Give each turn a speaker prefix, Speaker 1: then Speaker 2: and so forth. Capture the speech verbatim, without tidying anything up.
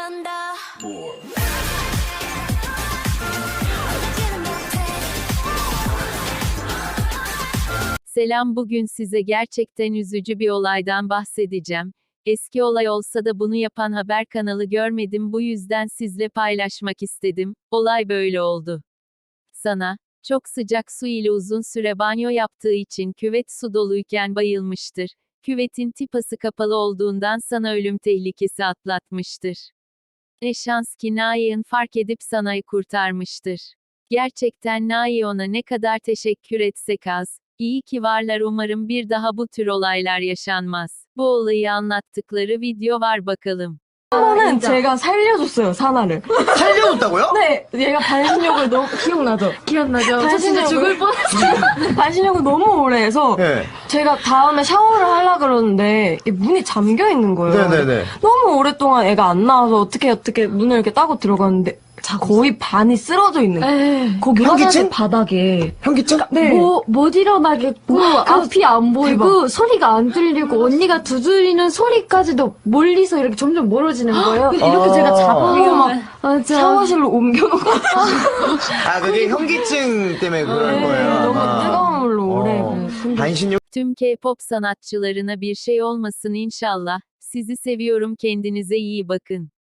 Speaker 1: 번 더.
Speaker 2: Selam, bugün size gerçekten üzücü bir olaydan bahsedeceğim. Eski olay olsa da bunu yapan haber kanalı görmedim, bu yüzden sizle paylaşmak istedim. Olay böyle oldu. Sana, çok sıcak su ile uzun süre banyo yaptığı için küvet su doluyken bayılmıştır. Küvetin tipası kapalı olduğundan sana ölüm tehlikesi atlatmıştır. Ne şans ki Nai'ın fark edip Sana'yı kurtarmıştır. Gerçekten Nai ona ne kadar teşekkür etsek az. İyi ki varlar, umarım bir daha bu tür olaylar yaşanmaz. Bu olayı anlattıkları video var, bakalım.
Speaker 3: 하나는 제가 살려줬어요, 사나를.
Speaker 4: 살려줬다고요?
Speaker 3: 네, 얘가 반신욕을 너무, 기억나죠?
Speaker 5: 기억나죠? 저 진짜
Speaker 3: 반신욕을-
Speaker 5: 죽을 뻔했어요.
Speaker 3: 반신욕을 너무 오래 해서,
Speaker 4: 네.
Speaker 3: 제가 다음에 샤워를 하려고 그러는데, 이 문이 잠겨 있는 거예요.
Speaker 4: 네네네.
Speaker 3: 너무 오랫동안 애가 안 나와서 어떻게 어떻게 문을 이렇게 따고 들어갔는데, 거의 반이 쓰러져 있는 거예요.
Speaker 5: 에이,
Speaker 3: 거기
Speaker 4: 현기증?
Speaker 3: 화장실 바닥에.
Speaker 4: 현기증?
Speaker 3: 네.
Speaker 5: 뭐, 못 일어나겠고, 앞이 안 보이고, 소리가 안 들리고, 언니가 두드리는 소리까지도 멀리서 이렇게 점점 멀어지는 거예요. 이렇게
Speaker 4: 아.
Speaker 5: 제가 잡으면 막, 맞아.
Speaker 3: 샤워실로 옮겨놓고.
Speaker 4: 아, 그게 현기증 때문에 그런 거예요.
Speaker 3: 너무
Speaker 4: 아마.
Speaker 3: 뜨거운 물로 오래.
Speaker 4: 어.
Speaker 3: 그
Speaker 4: 반신욕
Speaker 2: Tüm K-pop sanatçılarına bir şey olmasın inşallah. Sizi seviyorum, kendinize iyi bakın.